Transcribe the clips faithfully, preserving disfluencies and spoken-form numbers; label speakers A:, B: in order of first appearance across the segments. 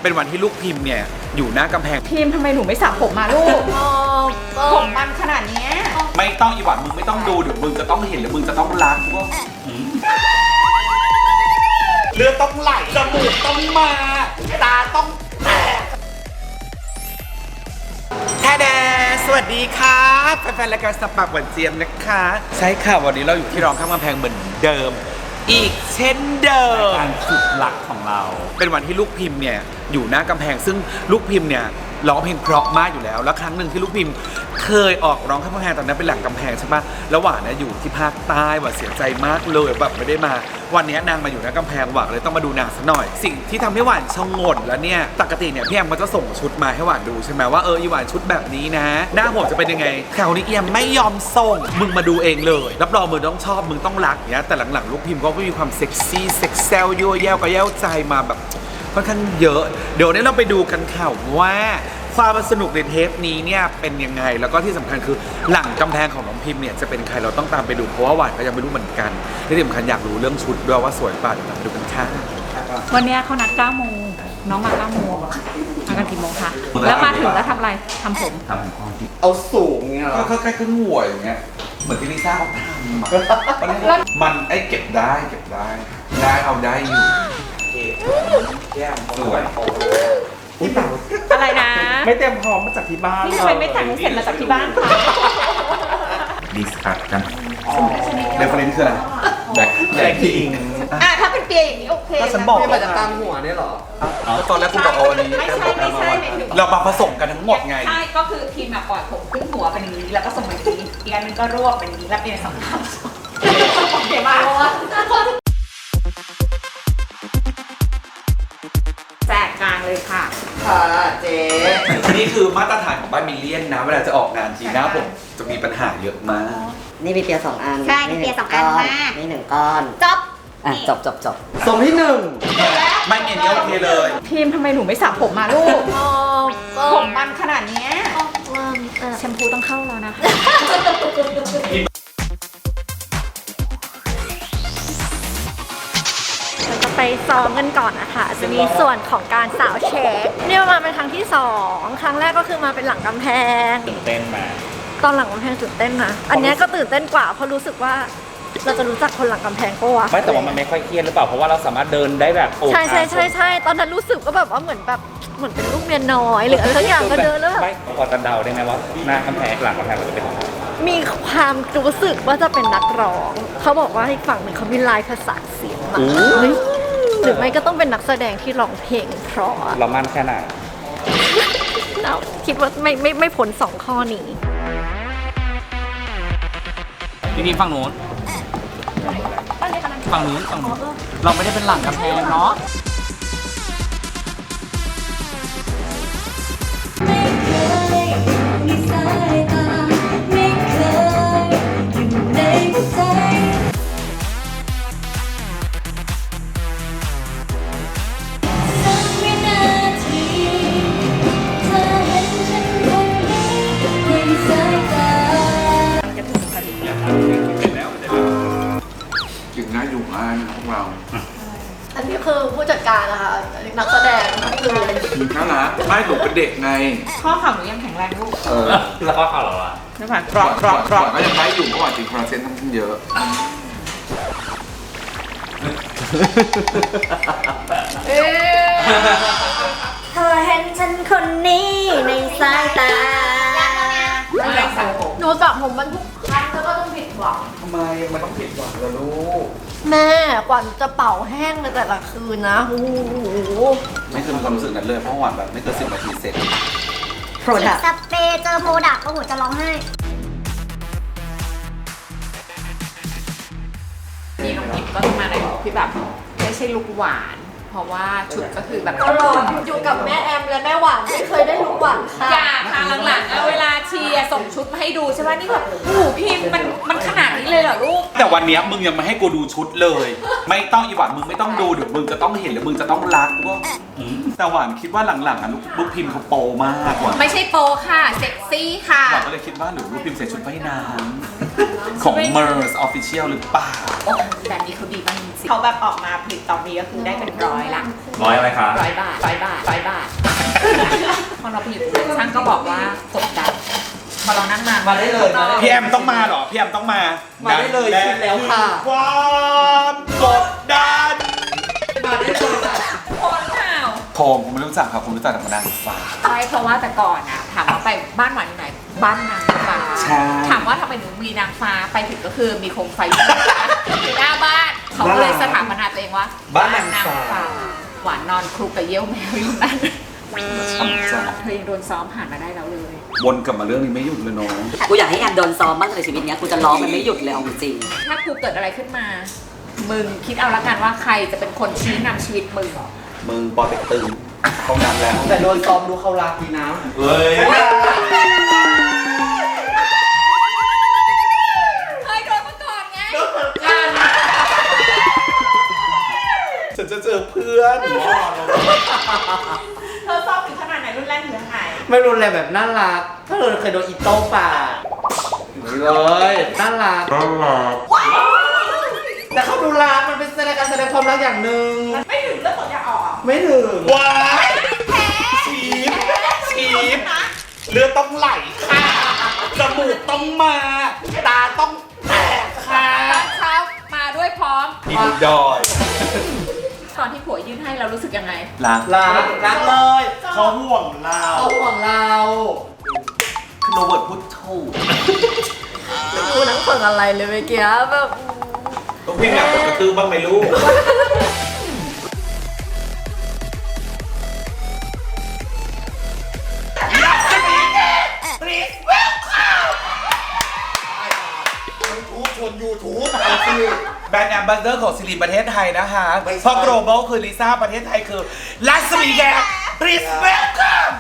A: เป็นวันที่ลูกพิมพ์เนี่ยอยู่หน้ากำแพง
B: พิมพ์ทำไมหนูไม่สระผมมาลูกผมมันขนาดนี้
A: ไม่ต้องอีหวานมึงไม่ต้องดูเดี๋ยวมึงจะต้องเห็นหรือมึงจะต้องรักว่าเลือดต้องไหลจมูกต้องมาตาต้องแตกแท้แดสวัสดีครับแฟนๆรายการสปักหวานเจี๊ยบนะคะใช่ค่ะวันนี้เราอยู่ที่ร้องข้ามกำแพงเหมือนเดิมอีกเช่นเดิมการสุดหลักของเราเป็นวันที่ลูกพิมพ์เนี่ยอยู่หน้ากำแพงซึ่งลูกพิมพ์เนี่ยร้องเพลงเพราะมากอยู่แล้วแล้วครั้งหนึ่งที่ลูกพิมพ์เคยออกร้องข้ามกำแพงตอนนั้นเป็นหลังกำแพงใช่ปะแล้วหวานเนี่ยอยู่ที่ภาคใต้หวานเสียใจมากเลยแบบไม่ได้มาวันนี้นางมาอยู่หน้ากำแพงหวานเลยต้องมาดูนางซะหน่อยสิ่งที่ทำให้หวานชงงนแล้วเนี่ยปกติเนี่ยพี่แอมก็จะส่งชุดมาให้หวานดูใช่ไหมว่าเอออีหวานชุดแบบนี้นะหน้าผมจะเป็นยังไงแถวนี้เอียมไม่ยอมส่งมึงมาดูเองเลยรับรองมึงต้องชอบมึงต้องรักเนี่ยแต่หลังๆลูกพิมพ์ก็มีความเซ็กซี่เซ็กเซลยั่วแย้วก็แย้วใจมาแบบค่อนข้างเยอะเดี๋ยวนี้เราไปดูกันข่าวว่าความสนุกในเทปนี้เนี่ยเป็นยังไงแล้วก็ที่สำคัญคือหลังกำแพงของน้องพิมพ์เนี่ยจะเป็นใครเราต้องตามไปดูเพราะว่าหวานก็ยังไม่รู้เหมือนกันที่สำคัญอยากรู้เรื่องชุดด้วยว่าสวยป่ะเดี๋ยวเราไปดูกันค่ะ
B: วันนี้เขานัดเก้าโมงน้องมาเก้าโมงมากันกี่โมงคะแล้วมาถึงแล้วทำอะไรทำผม
A: ทำผม
C: เอาสูงเงี้ย
A: ก็แค่ขึ้นหัวอย่างเงี้ยเหมือนที่ลิซ่าเขาทำมันไอ้เก็บได้เก็บได้ได้เอาได้อยู่แก้มสวย
C: อุ้ยเต่า
B: อะไรนะ
C: ไม่เตรียมพร้อมมาจากที่บ้าน
B: นี่ทำไมไม่แต่งให้เสร็จมาจากที่บ้านคะ
A: ดิสคัทกันเรฟเฟรนซ์คืออะไรแบ็คแบ็คพิง
B: อ่ะถ้าเป็นเปียอย่างนี้โอเค
C: ก็ฉันบอกว่าจะตั้งหัวเนี่ยหรอ
A: ตอนแรกคุณบอกเอาอันนี้
B: ไม่ใช่ไม่ใช่
A: เรามาผสมกันทั้งหมดไง
B: ใช่ก็คือทีมอะปล่อยผมขึ้นหัวเป็นอย่างนี้แล้วก็ส่งไปทีอีกอันนึงก็รวบเป็นอย่างนี้แล้วเป็นสองข้างโอเคมากแจกกลางเลยค่ะ
C: ค่ะเจ๊
A: นี่คือมาตรฐานของบ้านมิลเลียนนะเวลาจะออกงานทีหน้าผมจะมีปัญหาเยอะมาก
D: นี่มีเปียสองอัน
B: ใช่มีเปียสองอันมาก
D: นี่หนึ่งก้อน
B: จบ
D: อ่ะจบจบจบ
C: ส่งที่หนึ่ง
A: ไม่เงี้ยโอเคเลย
B: ทีมทำไมหนูไม่สระผมมาลูกผมมันขนาดนี้แชมพูต้องเข้าแล้วนะคะ
E: ไปซ้อมกันก่อนนะคะจะมีส่วนของการสาวเช็คนี่มาเป็นครั้งที่สองครั้งแรกก็คือมาเป็นหลังกำแพง
A: ตื่นเต้นมา
E: ตอนหลังกำแพงตื่นเต้นนะอันนี้ก็ตื่นเต้นกว่าเพราะรู้สึกว่าเราจะรู้จักคนหลังกำแพงก็วะ
A: ไม่แต่ว่ามันไม่ค่อยเครียดหรือเปล่าเพราะว่าเราสามารถเดินได้แบบโอ้
E: ใช่ใช่ใช่ใช่ตอนนั้นรู้สึกก็แบบว่าเหมือนแบบเหมือนเป็นลูกเมียน้อยหรืออะไรสักอย่างก็เดินแล้วแบบ
A: ไม่พอจะเดาได้ไหมว่าหน้ากำแพงหลังกำแพงมันจะเป็นยังไง
E: มีความรู้สึกว่าจะเป็นนักร้องเขาบอกว่าอีกฝั่งหนึ่งเขามีลายประสานเสียงมาหรือไม่ก็ต้องเป็นนักแสดงที่ร้องเพลงเพราะ
A: เรามั่นแค่ไหน
E: เราคิดว่าไม่ไม่ไม่พ้นสองข้อนี้
A: พี่นี่ฝั่งโน้นฝั่งนู้นฝั่งนู้นเราไม่ได้เป็นหลังกำแพงเนาะ
E: อันนี้คือผู้จัดการนะคะนักแสดงคือ
A: นั่นนะไม่หนูเป็นเด็กไง
B: ข้อเข่าหนูยังแข็งแรงลูก
A: เออแล้วข้อเข่าเราล่ะ
B: น้ำผักกรอบกรอบกรอบ
A: ก็ยังได้อยู่เมื่อวานจริงคอลลาเจนทั้งเยอะ
E: เธอเห็นฉันคนนี้ในสายตาหนูสระผมมันทุกครั้งแล้วก็ต้องผิดหวัง
A: ทำไมมันต้องผิดหวังล่ะลูก
E: แม่กว่าจะเป่าแห้งในแต่ละคืนนะโอ้โห
A: ไม่เคยมีความรู้สึกนั้นเลยเพราะหวานแบบไม่เกินสิบนาทีเสร็จ
D: โปรดัก
E: สเปรย์เจอโปรดักก็หัวจะร้องไห้
B: นี่น้องพิมก็มาในลุคที่แบบไม่ใช่ลุคหวานเพราะว่าชุดก็คือแบบ
E: ตลอดอยู่กับแม่แอมและแม่หวานไม่เคยได้ลุคหวานค่ะ
B: อย่าค่ะหลังๆเวลาเชียร์ส่งชุดมาให้ดูใช่ไหมนี่แบบโอ้โหพิมมันมันขนาดนี้เลยเหรอลูก
A: แต่วันนี้มึงยังไม่ให้กูดูชุดเลยไม่ต้องอีหวานมึงไม่ต้องดูเดี๋ยวมึงจะต้องเห็นหรือมึงจะต้องรักว่าแต่หวานคิดว่าหลังๆอ่ะลูกพิมเขาโปมากกว่า
B: ไม่ใช่โปค่ะเซ็กซี่ค่ะ
A: หวานก็เลยคิดว่าหรือลูกพิมใส่ชุดว่ายน้ำของ Mers Official หรือเปล่า
B: โอ้แบบนี้เขาดีมากจริงๆเขาแบบออกมาผลิตตอนนี้ก็คือได้เป็นร้อยละ
F: ร้อยอะไรคะ
B: ร้อยบาทร้อยบาทร้อยบาท พอเราไปอยู่ช่างก็บอกว่ากดดันพอเรานั่งมา
C: มาได้เลยมาได้
A: พี่แอมต้องมาเหรอ พี่แอมต้องมา
C: มาได้เลยชิมแล้วค่ะ
A: ความกดดัน
C: มาได้เลยค่ะ
B: คนข่าว
A: โทมผมไม่รู้จักครับผมรู้จักแต่นางฟ้า
B: ใช่เพราะว่าแต่ก่อนอะถามว่าไปบ้านหวานอยู่ไหนบ้านนางฟ้า
A: ใช่
B: ถามว่าทำไมหนูมีนางฟ้าไปถึงก็คือมีโคมไฟอยู่หน้าบ้านเขาก็เลยสถาปนาตัวเองว่า
C: บ้านนางฟ้า
B: หวานนอนคลุกกับเยี่ยวแมวอยู่นั่น
A: ชอบจัง
B: เธอยังโดนซ้อมผ่านมาได้แล้วเลย
A: วนกลับมาเรื่องนี้ไม่หยุดเลยน้อง
D: กูอยากให้แอมโดนซ้อมบ้างในชีวิตเนี้ยกูจะร้องมันไม่หยุดเลยเอาจริง
B: ถ้าครูเกิดอะไรขึ้นมา มึงคิดเอาละกันว่าใครจะเป็นคนชี้นำชีวิตมึง
A: มึงปอเต็กตึงเข้าน้ำแล้ว
C: แต่โดนซ้อมดูเขารักดีนะ
A: เฮ้ย
B: เคยโดนมาก่อนไง
A: ฉันจะเจอเพื่อน
B: เธอซ้อมถึงขนาดไหนรุ่นแรกเหลือหาย
C: ไม่รุนแรงแบบน่ารัก ถ้าเราเคยโดนอีโต้ป่านี่เลยน่ารักน่ารักแต่เขาดูรักมันเป็นแสดงการแสดงความรักอย่างหนึ่ง
B: ไม่ถึงเลือดตกยาออก
C: ไม่ถึง
A: ว้ายชีฟชีฟเลือดต้องไหลค่ะ จมูกต้องมา ตาต้องแตกค่ะ
B: ตอนเช้ามาด้วยพร้อม
A: อินดอย
B: ตอนที่ผัวยื่นให้เรารู้สึกยังไง
A: รัก
C: รักรักเลย
A: เขาห่วงเรา
C: เขาห่วงเรา
A: โรเบิร์ตพูดถูก
E: กูนั่งฟังอะไรเลยเมื่อกี้แบบ
A: ต้องพิมพ์อยากกดกระตือบ้างไหมลูก แบรนด์แอมบาสเดอร์ของซิริประเทศไทยนะคะเพราะ global คือลิซ่าประเทศไทยคือลัสมีแกริสเวลคัม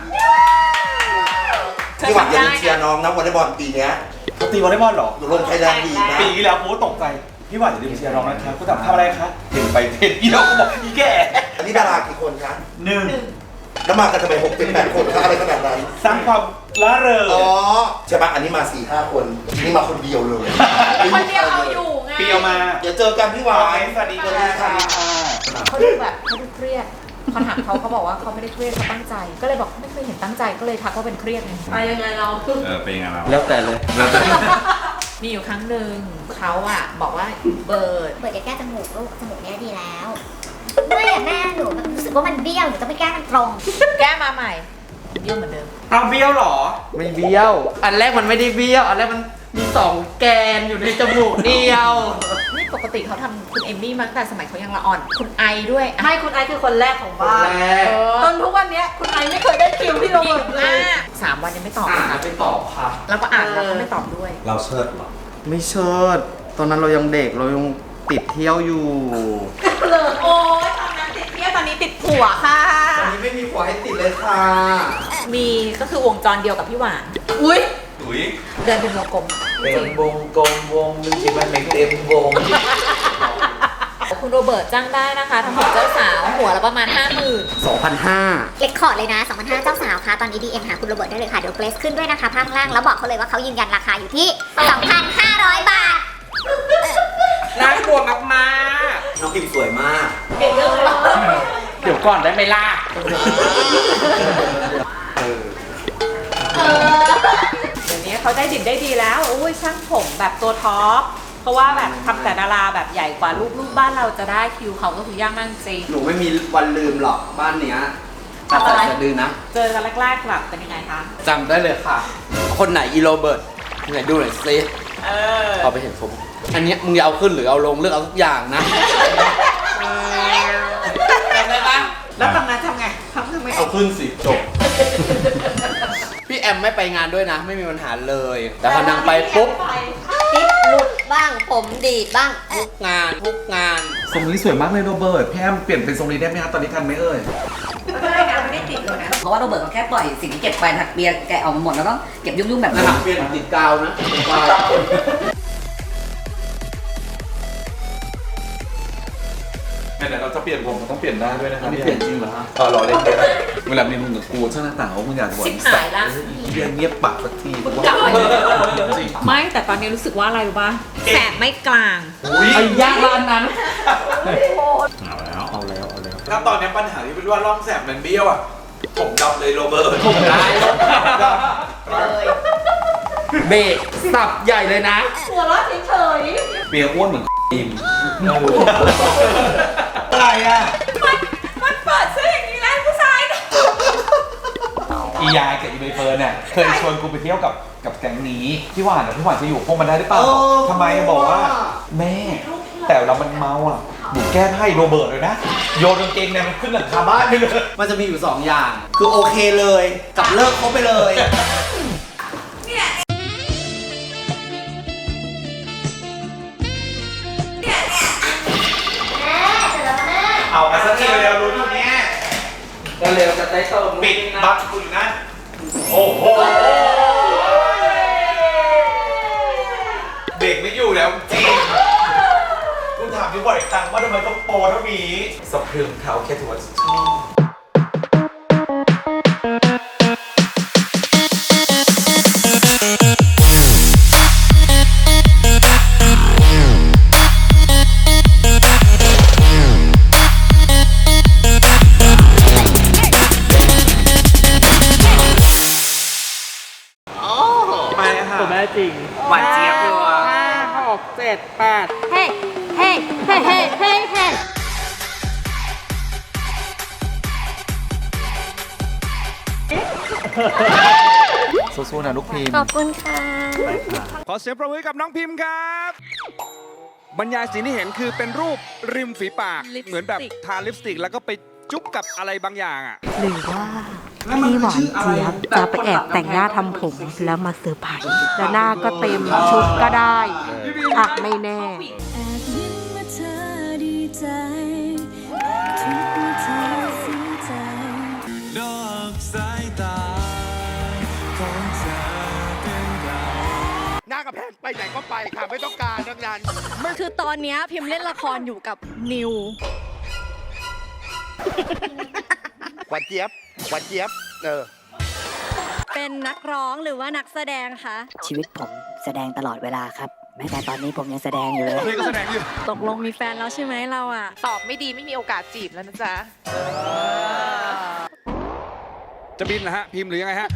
G: พี่หวังอย่าลืมเชียร์น้องนะวอลเลย์บอลปีเนี้ย
A: เขาตีวอลเลย์บอลเหรอ
G: อยู่ลงไทยแลนด์ลีกนะ
A: ปีที่แล้วผมก็ตกใจ พี่หวานอย่าลืมเชียร์น้องนะครับก็ถามทำอะไรคะเห็นไปเห็นอีแล้วก็บอกอีแก่
G: อันนี้ดารากี่คนคะ
A: หนึ่ง
G: แล้วมากันทำไมหกเป็นแปดคนคะอะไรขนาดนั้น
A: สร้างความละเริง
G: อ๋อใช่ปะอันนี้มาสี่ห้าคนนี่มาคนเดียวเลย
B: คนเดียวเอาอยู่ไง
A: เปียวมา
G: เดี๋ยวเจอกันพี่หวา
A: โอเคน สวัสดีค่ะ
B: เขาดูแบบเขาดูเครียดพอถามเขาเขาบอกว่าเขาไม่ได้เครียดเขาตั้งใจ ก็เลยบอกไม่เคยเห็นตั้งใจก็เลยทักว่าเป็นเครียดไงไปยังไงเรา
F: เออ เป็นยังไงเรา
C: แล้วแต่เลย
B: มีอยู่ครั้งหนึ่งเขาอะบอกว่าเบิร์ด
H: เปิดจะแก้จมูกลูกจมูกเนี้ยดีแล้วไม่อะแม่หนูมันรู้สึกว่ามันเบี้ยวหนูต้องไปแก้มันตรง
B: แก้มาใหม่เบี้ยวเหมือนเดิม
A: เอาเบี้ยวเหรอ
C: ไม่เบี้ยว อันแรกมันไม่ได้เบี้ยว อันแรกมันมีสองแกนอยู่ในจมูกเดียว
B: นี่ปกติเขาทำคุณเอมมี่มาตั้งแต่สมัยเขายังละอ่อน คุณไอด้วยอะ
E: ไม่คุณไอซ์คือคนแรกของบ้าน
C: คนแรก
E: เออจนทุกวันเนี้ยคุณไอซ์ไม่เคยได้คิวที่โรง
B: ผิ
E: แร
B: ด
E: มเล
B: มาย กสามวันยังไม่ตอบ
C: อ่า
B: เลยค่ะ
C: ไปตอบค่ะ
B: แล้วก็อ่านแล้วก็ไม่ตอบด้วย
G: เราเชิดเหรอ
C: ไม่เชิด ตอนนั้นเรายังเด็กเรายังติดเที่ยวอยู่
B: โอ้ยตอนนั้นติดเที่ยวตอนนี้ติดผัวค่ะ
C: ตอนนี้ไม่มีผัวให้ติดเลยค่ะ
B: มีก็คือวงจรเดียวกับพี่หวาน
E: อุ้ย
A: อุ้ย
B: เดินเป็นวงกลม
C: เป็นวงกลมวงนึงที่มันไม่เต็มวง
B: คุณโรเบิร์ตจ้างได้นะคะทำผมเจ้าสาวหัวละประมาณห้าหมื่น
C: สองพันห้า
H: เล็กคอร์ดเลยนะสองพันห้าเจ้าสาวค่ะ ตอนนี้ ดี เอ็ม หาคุณโรเบิร์ตได้เลยค่ะ เดี๋ยวเกรซขึ้นด้วยนะคะภาพข้างล่าง แล้วบอกเขาเลยว่าเขายืนยันราคาอยู่ที่ สองพันห้าร้อย บาท
C: น่ากลัวมาก
G: น้องพิมสวยมาก
B: เก่งเลย
C: ๆเดี๋ยวก่อนได้ไหมล่ะ
B: เดี๋ยวนี้เขาได้ดิบได้ดีแล้วอุ้ยช่างผมแบบตัวท็อป เพราะว่าแบบทำแต่ดาราแบบใหญ่กว่าลูกลูกบ้านเราจะได้คิวเขาก็คือยากมากจริง
C: หนูไม่มีวันลืมหรอกบ้านเนี้ยตัด
B: ทำอะไร
C: สะดือนะ
B: เจอกันแรกๆแบบเป็นยังไงคะ
C: จำได้เลยค่ะ คนไหนอีโรเบิร์ตไหนดูหน่อยซิ
B: เออ
C: พอไปเห็นผม อันเนี้ยมึงจะเอาขึ้นหรือเอาลงเลือกเอาทุกอย่างนะจำได้ปะ
B: แล้วตอนนั้นทำไงทำทำไม
C: เอาขึ้นสิจบ พี่แอมไม่ไปงานด้วยนะ ไม่มีปัญหาเลย แต่พอนางไปปุ๊บ
D: ๆติ๊บหลุดบ้าง ผมดีดบ้าง
C: ทุกงานทุกงาน
A: ทรงนี้สวยมากเลยโรเบิร์ตพี่แอมเปลี่ยนเป็นทรงนี้ได้ไหมครับตอนนี้ทันไหมเอ่ย
B: ไม่ได้นะไม่ได้ติดเลยนะ
D: เพราะว่าโรเบิร์ตเขาแค่ปล่อยสิ่งที่เก็บไปถักเบียร์แกะออกมาหมดแล้วก็เก็บยุ่งๆแบบ
C: นะ
D: นี้
C: ครับเปลี่ยนติดกาวนะติดกาว
A: งั้นเดี๋ยวเราจะเปลี่ยนผมมันต้องเปลี่ยนได้ด้วยนะครับ
C: ไม่เปลี่ยนจริงเหรอฮะ
A: เออรอเล่นเวลามีมึงกับกูช่างหน้าต่างว่ามึงอยากจะบอก
B: ชิบหายละ
A: เรียนเงียบปากสักที
B: มึงกลับมาจริงไม่แต่ตอนนี้รู้สึกว่าอะไรรู้ป่ะแสบไม่กลาง
C: ไอ้ย่างร้านนั้น
A: ถ้าตอนนี้ปัญหาที่เป็นว่าร่องแสบมันเบี้ยวอ่ะผมดำเลยโรเบิร์ต
C: ผมได้
B: เลย
C: เบรกสับใหญ่เลยนะ
B: หัวเราะเฉย
A: เปียอ้วนเหมือนอิมอะไรอ่ะ
B: ๆมันมันเปิดซื้ออย่างนี้แล้วผู้ชายนะ
A: อียายกับอีใบเฟิร์นเนี่ยเคยชวนกูไปเที่ยวกับกับแก๊งนี้พี่หวานอะพี่หวานจะอยู่พวกมันได้หรือเปล่า
C: เออ
A: ทำไมบอกว่า แม่ แต่เรามันเมาอ่ะหนูแก้ให้โรเบิร์ตเลยนะโยนกางเกงในมันขึ้นหลังคาบ้านไปเลย
C: มันจะมีอยู่สองอย่าง คือโอเคเลย กับเลิกคบไปเลย
A: เอามาสักทีเร็วๆรู้ที่เนี้ย
C: เร็วๆจะได้เติม
A: ปิดบัตรกูอยู่นั่นโอ้โหเด็กไม่อยู่แล้วจริงกูถามพี่บอยตังว่าทำไมต้องโปรเท่านี้สะพรึงเขาแค่ถือว่าชอบ ไปค่ะตัวแม่จริง
C: หวานเจี๊ยบเลยว่ะ
B: ห้าหกเจ็ดแปด
E: เฮ้เฮ้เฮ้เฮ้เฮ้เฮ้
A: สู้ๆนะลูกพิมพ์
E: ขอบคุณค่ะ
F: ขอเสียงประมือกับน้องพิมพ์ครับ บรรยายสิ่งที่เห็นคือเป็นรูปริมฝีปาก
B: ลิปสติก
F: เหมือนแบบทาลิปสติกแล้วก็ไปจุ๊บกับอะไรบางอย่างอ่ะ
I: หรือว่าพี่หวานเจี๊ยบจะไปแอบแต่งหน้าทำผมแล้วมาเซอร์ไพรส์แล้วหน้าก็เต็มชุดก็ได้อ่ะไม่แน่
G: หน้ากระแพงไปไหนก็ไปค่ะ ไม่ต้องการดังนั้น
E: คือตอนเนี้ยพิมพ์เล่นละครอยู่กับนิว
G: หวานเจี๊ยบ หวานเจี๊ยบ เออ
E: เป็นนักร้องหรือว่านักแสดงคะ
I: ชีวิตผมแสดงตลอดเวลาครับ แม้แต่ตอนนี้ผมยังแสดงอยู่เลย
F: นี่ก็แสดงอยู่
E: ตกลงมีแฟนแล้วใช่ไหมเราอ่ะ
B: ตอบไม่ดีไม่มีโอกาสจีบแล้วนะจ๊ะ
F: จะบินเหรอฮะ พิมพ์หรือยังไงฮะ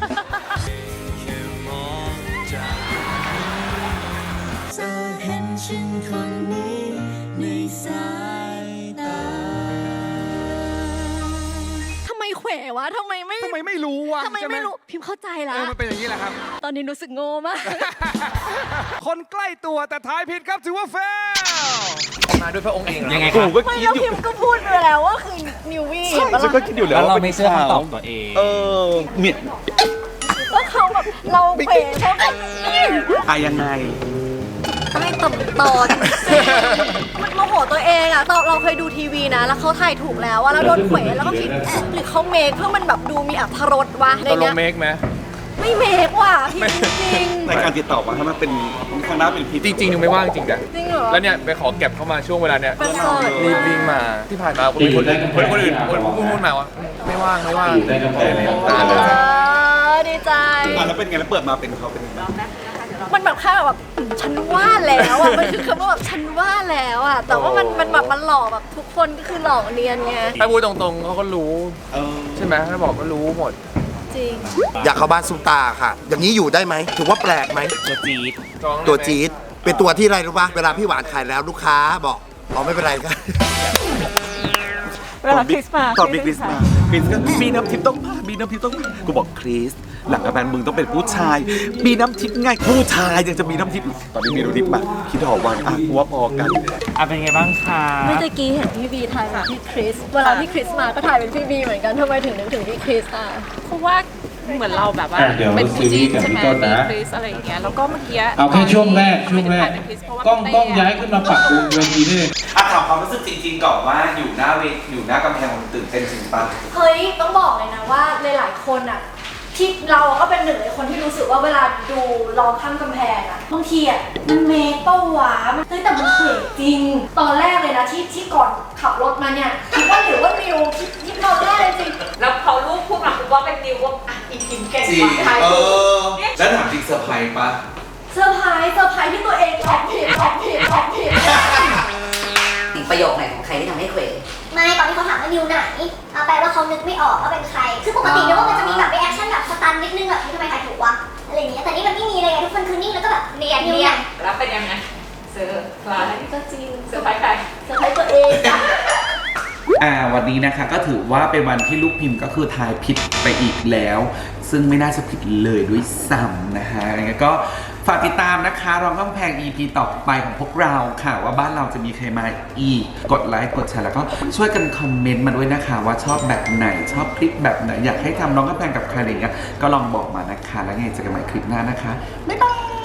E: ทำไมเขววะทำไมไม่
F: ทำไมไม่รู้วะ
E: ทำไม
F: ใช่ห
E: ไม่รู้ พิมพ์เข้าใจ
F: เอ
E: ละ
F: อมันเป็นอย่างนี้แหละครับ
E: ตอนนี้รู้สึกโง่มาก
F: คนใกล้ตัวแต่ท้ายผิดครับถือว่าเฟล
A: มาด้วยพระองค์เอง
C: ยังไง
A: กู
C: ครับ
A: ก็
E: ไม่
A: คิด
E: แล้ว
A: อยู่
E: พิมพ์ก็พูดไปแล้วว่าคือนิววี่เห็นปะ
A: ฉันก็
E: ล่ะ
A: คิดอยู่แล้ว
C: แล้วเรา
A: ว่า
C: ไม่เชื่อคำตอบตัวเอง
A: เออเมีย
E: ก็เขาแบบเราเขวเพราะแบบ
A: อะยังไง
E: ใต้ต่ำตอนมันโมโหตัวเองอ่ะเราเราเคยดูทีวีนะ แล้วเขาถ่ายถูกแล้วว่าแล้วโดนเขวแล้วก็คิดเอ๊ะหรือเขาเมคเพื่อมันแบบดูมีอรรถรสวะใน
F: ตกล
E: เนี้
F: ง
E: ย
F: เมคไหม
E: ไม่เมคว่ะพี่จริง
A: ในการติดต่อมาถ้ามันเป็นข้างหน้าเป็นพิษ
F: จริงๆยังไม่ว่างจริงนะ
E: จริงเหรอ
F: แล้วเนี่ยไปขอเก็บเข้ามาช่วงเวลาเนี้ย
E: ประเสริฐ
F: รีบวิ่งมาที่ผ่านมาคนอื่นคนอื่นคนคนอื่นคนพูดพูดมาว่าไม่ว่างไม่ว่างตา
E: เอ
F: เลย
E: อดีใจ
A: อ่ะแล้วเป็นไงแล้วเปิดมาเป็นเขาเป็นยังไง
E: มันแบบแค่แบบอืมฉันว่าแล้วอ่ะ มันคือคำว่าแบบฉันว่าแล้วอ่ะ แต่ว่ามันมันแบบมันหลอกแบบทุกคนก็คือหลอกเนียนไง
F: ถ้าพูดตรงๆเขาก็รู้
A: เออ
F: ใช่ไหมถ้าบอกก็รู้หมด
E: จริง
G: อยากเข้าบ้านซุปตาค่ะ อย่างนี้อยู่ได้ไหม ถือว่าแปลกไหม
C: ตัวจี๊ด
G: ตัวจี๊ด เป็นตัวที่อะไรรู้ป่ะ เวลาพี่หวานขายแล้วลูกค้าบอกอ๋อไม่เป็นไรครับ
B: เวลาคริสต์มาส
A: ตอนบิ๊กคริสมาคริสก็มีน้ำทิพย์ต้องมามีน้ำทิพย์ต้องมากูบอกคริสหลังกระแพงมึงต้องเป็นผู้ชาย มีน้ำทิพย์ไงผู้ชายยังจะมีน้ำทิพย์อีกตอนนี้มีน้ำทิพย์มาคิดหอวันอ่ะกูว่าพอกัน
C: อ่ะเป็นไงบ้างคะ
E: เมื่อกี้เห็นพี่บีถ่ายเป็นพี่คริส เวลาพี่คริสมาก็ถ่ายเป็นพี่บีเหมือนกันทำไมถึงนึกถึงพี่คริสอ่ะ
B: เพราะว่าเหมือนเราแบบว่าเป็นคู่จิ้นใช่ไหมมีคริสอะไรอย่างเงี้ยแล้วก็เมื่อกี้
J: เอาแค่ช่วงแรกช่วงแรก
B: เป็นคริสเพราะว่า
J: ก้อง
B: เต้
J: ก้องย้ายขึ้นมาปักบนเวทีนี่
A: อ่ะถามความรู้สึกจริงๆก่อนว่าอยู่หน้าเวทอยู่หน้ากำแพงมันตื่นเต้นจริงปะ
E: เฮ้ย ต้องบอกเลยนะว่าหลายๆคนอ่ะที่เราก็เป็นหนึ่งในคนที่รู้สึกว่าเวลาดูลองข้ามกำแพงอะบางทีอะมันเมย์เป้าหวามันเฮ้ยแต่มันเขินจริง ตอนแรกเลยนะที่ที่ก่อนขับรถมาเนี่ยคิดว่าหรือว่านิวคิดคิดตอนแรกเลยจริง
B: แล้วพอลูกพูดมาคุณว่าเป็นนิวว่าอ่ะอีพิมเก่ง
A: จริ
B: ก
A: ง
B: ว่าใคร
A: เออแล้วถามจริงเซอร์ไพรส์ปะ
E: เซอร์ไพรส์เซอร์ไพรส์ที่ตัวเองออกผิดออกผิดออกผิด
D: ถึงประโยคไหนของใครที่ทำให้เขว
H: ไม่ตอนที่เขาถามว่านิวไหนเอาแปลว่าเขานึกไม่ออกว่าเป็นใคร คือปกติเนี่ยว่ามันจะมีแบบรีแอคชั่นแบบสตันนิดนึงแบบทำไมใครถูกวะอะไรอย่างเงี้ยแต่นี่มันไม่มีเลยไงทุกคนคือนิ่งแล้วก็แบบเนียนเนียน
B: แล้วเป็นยังไงเซอร์ไพรส์ก็จริงเซอร์ไพรส์ใคร
E: เซอร์ไพรส์ตัวเองจ้ะ
A: อ่าวันนี้นะคะก็ถือว่าเป็นวันที่ลูกพิมพ์ก็คือทายผิดไปอีกแล้ว ซึ่งไม่น่าจะผิดเลยด้วยซ้ำนะฮะยังไงก็ฝากติดตามนะคะรองกำแพง อี พี ต่อไปของพวกเราค่ะว่าบ้านเราจะมีใครมาอีกกดไลค์กดแชร์แล้วก็ช่วยกันคอมเมนต์มาด้วยนะคะว่าชอบแบบไหนชอบคลิปแบบไหนอยากให้ทำรองกำแพงกับใครอะไรเงี้ยก็ลองบอกมานะคะแล้วไงเจอกันใหม่คลิปหน้านะคะบ๊ายบาย